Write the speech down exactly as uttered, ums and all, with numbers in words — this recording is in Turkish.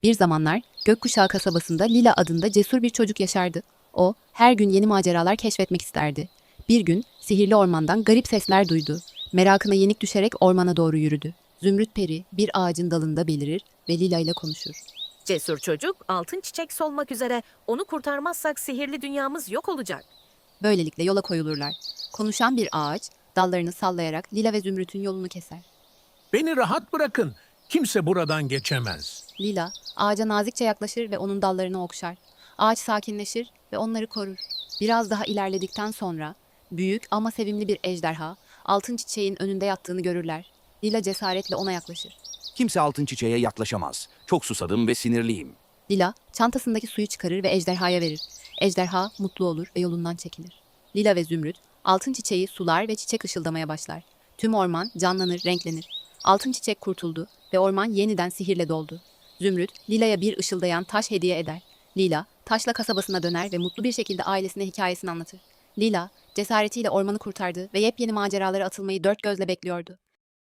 Bir zamanlar Gökkuşağı kasabasında Lila adında cesur bir çocuk yaşardı. O, her gün yeni maceralar keşfetmek isterdi. Bir gün sihirli ormandan garip sesler duydu. Merakına yenik düşerek ormana doğru yürüdü. Zümrüt peri bir ağacın dalında belirir ve Lila ile konuşur. Cesur çocuk altın çiçek solmak üzere. Onu kurtarmazsak sihirli dünyamız yok olacak. Böylelikle yola koyulurlar. Konuşan bir ağaç dallarını sallayarak Lila ve Zümrüt'ün yolunu keser. Beni rahat bırakın. Kimse buradan geçemez. Lila ağaca nazikçe yaklaşır ve onun dallarını okşar. Ağaç sakinleşir ve onları korur. Biraz daha ilerledikten sonra büyük ama sevimli bir ejderha altın çiçeğin önünde yattığını görürler. Lila cesaretle ona yaklaşır. Kimse altın çiçeğe yaklaşamaz. Çok susadım ve sinirliyim. Lila çantasındaki suyu çıkarır ve ejderhaya verir. Ejderha mutlu olur ve yolundan çekilir. Lila ve Zümrüt altın çiçeği sular ve çiçek ışıldamaya başlar. Tüm orman canlanır, renklenir. Altın çiçek kurtuldu ve orman yeniden sihirle doldu. Zümrüt, Lila'ya bir ışıldayan taş hediye eder. Lila, taşla kasabasına döner ve mutlu bir şekilde ailesine hikayesini anlatır. Lila, cesaretiyle ormanı kurtardı ve yepyeni maceralara atılmayı dört gözle bekliyordu.